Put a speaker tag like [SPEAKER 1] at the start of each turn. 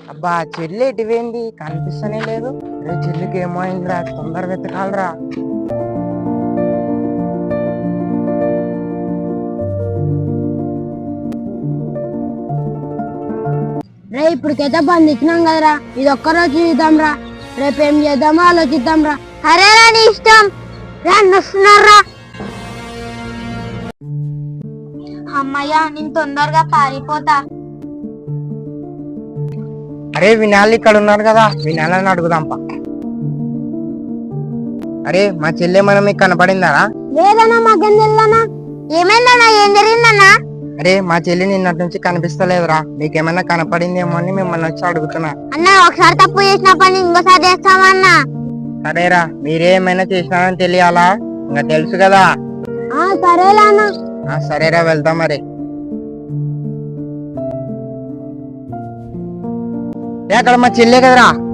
[SPEAKER 1] అబ్బా చెల్లి ఎటువేంది కనిపిస్తనే లేదు. రే చెల్లికి ఏమో అయిందిరా, తొందరగా వెతకాలరా.
[SPEAKER 2] రే ఇప్పటికైతే బంద్ ఇచ్చినాం కదరా, ఇది ఒక్కరోజు చూద్దాం రా, రేపు ఏం చేద్దామో ఆలోచిద్దాం రా. అరేరా నీ ఇష్టం వస్తున్నారా. అమ్మయ్యా నేను తొందరగా పారిపోతా.
[SPEAKER 1] అరే వినాలి ఇక్కడ ఉన్నారు కదా, వినాలని అడుగుదాంపా. అరే మా చెల్లె మనం మీకు కనపడిందారా?
[SPEAKER 2] లేదన్నా మాకేం తెలియదన్నా. ఏమైందన్నా, ఏం జరిగిందన్నా?
[SPEAKER 1] అరే మా చెల్లి నిన్నటి నుంచి కనిపిస్తలేదురా, మీకేమైనా కనపడిందేమో అని మిమ్మల్ని వచ్చి అడుగుతున్నా.
[SPEAKER 2] అన్నా ఒకసారి తప్పు చేసిన పని ఇంకోసారి చేస్తామన్నా.
[SPEAKER 1] సరేరా, మీరేమైనా చేసినారని తెలియాలా? ఇంకా తెలుసు కదా.
[SPEAKER 2] సరేలా అన్నా.
[SPEAKER 1] సరేరా వెళ్తాం మరి. అక్కడ మా చెల్లె కదరా.